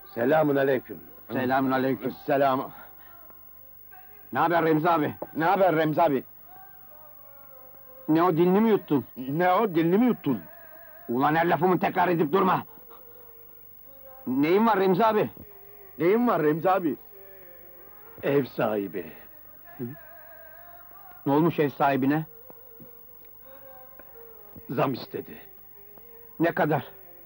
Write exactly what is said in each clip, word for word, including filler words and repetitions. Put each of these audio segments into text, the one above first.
Selamun aleyküm. Selamün aleyküm. Selam. Ne haber Remzi abi? Ne haber Remzi abi? Ne o, dilini mi yuttun? Ne o, dilini mi yuttun? Ulan her lafımı tekrar edip durma! Neyin var Remzi abi? Neyin var Remzi abi? Ev sahibi. Ne olmuş ev sahibine? Zam istedi. Ne kadar?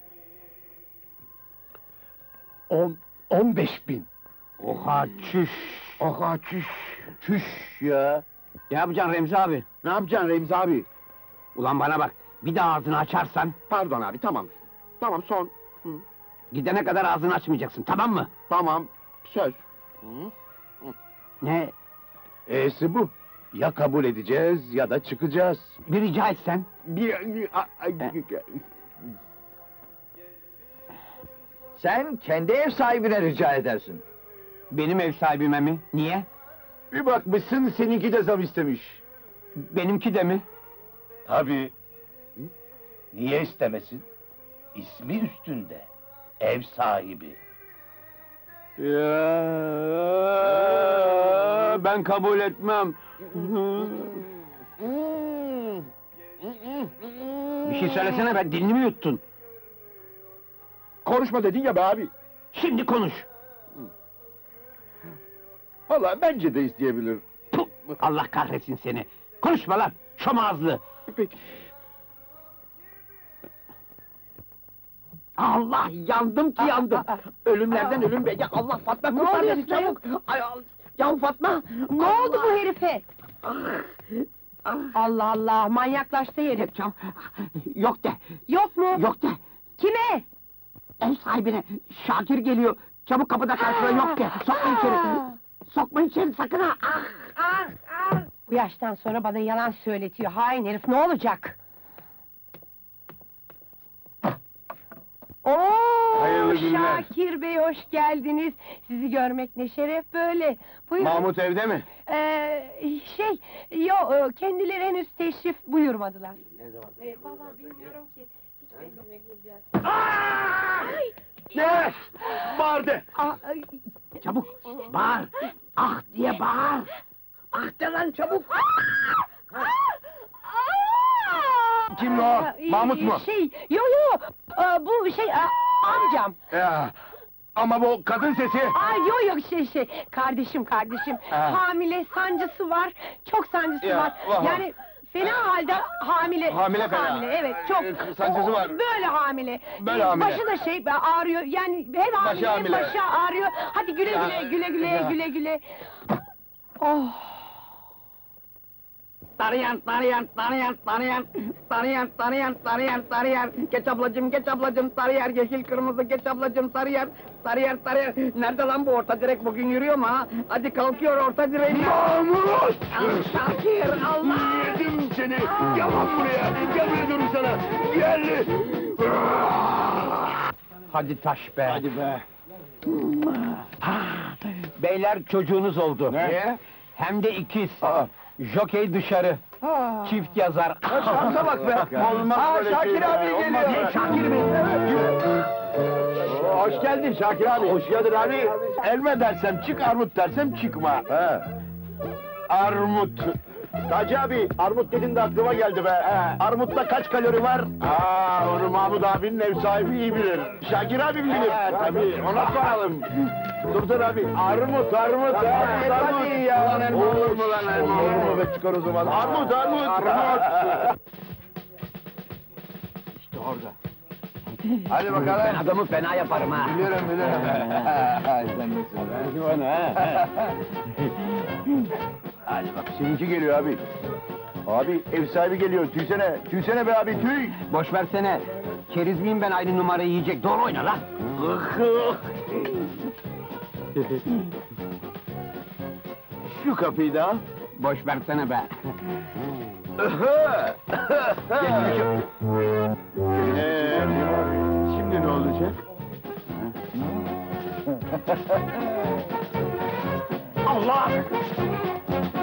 On, on beş bin. Oha, çüş! Aha çüş. Çüş ya. Ne yapacaksın Remzi abi? Ne yapacaksın Remzi abi? Ulan bana bak, bir daha ağzını açarsan... Pardon abi, tamam. Tamam, son. Hı. ...gidene kadar ağzını açmayacaksın, tamam mı? Tamam, söz. Hı. Ne? E'si bu. Ya kabul edeceğiz ya da çıkacağız. Bir rica etsen? Bir... Sen kendi ev sahibine rica edersin. Benim ev sahibime mi? Niye? Bir bakmışsın, seninki de zam istemiş. Benimki de mi? Tabii. Niye istemesin? İsmi üstünde. Ev sahibi. Ya, ben kabul etmem. Bir şey söylesene be, dilini mi yuttun? Konuşma dedin ya be abi. Şimdi konuş! Vallahi bence de isteyebilir. Puh! Allah kahretsin seni! Konuşma lan, şom ağızlı! Peki. Allah, yandım ki yandım! Ölümlerden ölüm be! Ya Allah, Fatma kurtar beni oluyorsun çabuk! Ay, al- ya Fatma! Ne oldu bu herife? Allah Allah, manyaklaştı herif. Yapacağım! Yok de! Yok mu? Yok de! Kime? Ev sahibine! Şakir geliyor! Çabuk kapıda karşıla, yok de! Sokma içeri! Sokma içeri sakın ha! Ah! Ah, ah. Bu yaştan sonra bana yalan söyletiyor, hain herif, ne olacak? Oo, Hayırlı günler. Şakir Bey, hoş geldiniz! Sizi görmek ne şeref böyle! Buyurun. Mahmut evde mi? Ee, şey, yo, e, kendileri henüz teşrif buyurmadılar. Ne zaman? Ee, vallahi bilmiyorum ki, hiç belli mi geleceğiz? Ne? Bağırdı! Aa, ay, Çabuk! Bağır! Ah diye bağır! Ah de lan çabuk! Kim o? Aa, Mahmut mu? Şey, yo yo, aa, bu şey, aa, amcam. Ya, ama bu kadın sesi... Ay yo yo, şey şey, kardeşim kardeşim, Ha. hamile, sancısı var, çok sancısı Ya, var. vah vah. Yani fena halde hamile. Hamile fena. Hamile, evet, çok. Ee, sancısı O- var. Böyle hamile. Böyle Ee, hamile. Başı da şey ağrıyor, yani hem hamile, hem hamile. başı ağrıyor. Hadi güle Ya, güle, güle güle, ya. güle güle. Oh. Tarayan, tarayan, tarayan, tarayan, tarayan, tarayan, tarayan, tarayan, geç ablacım, geç ablacım, tarayan, yeşil kırmızı, geç ablacım, tarayan, tarayan, tarayan. Nerede lan bu orta direk, bugün yürüyor mu ha? Hadi kalkıyor orta direğin. Mahmut! Ah, Şakir, Allah! Yedim seni! Gel lan buraya! Gel buraya diyorum sana! Gel! Hadi taş be! Hadi be! Beyler, çocuğunuz oldu. Ne? Hem de ikiz. Aa. Jokey dışarı, çift yazar. Şansa bak be! Olmaz Aa, böyle Şakir şeyler, abi olmaz geliyor. böyle. Ne, Şakir Bey? Oo, hoş geldin Şakir abi! Hoş geldin abi! Elme dersem çık, armut dersem çıkma! He. Armut! Taci abi, armut dedin de aklıma geldi be! Armutta kaç kalori var? Aa, onu Mahmut abinin ev sahibi iyi bilir! Şakir abim bilir! Tabii, ona soralım! Dur dur abi, armut, armut! Armut, armut! Ya, lan, olur mu lan elma? Olur mu be, çıkar o zaman! Armut, armut! Armut! İşte orada. Hadi bakalım! Ben adamı fena yaparım ha. Bilirim, bilirim! Sen nesin be? Hadi bak, seninki geliyor abi! Abi, ev sahibi geliyor, tüysene! Tüysene be abi, tüy! Boş versene. Keriz miyim ben aynı numarayı yiyecek? Doğru oyna lan. Şu kapıyı da al! Boş versene be. Ee, şimdi ne olacak? Allah!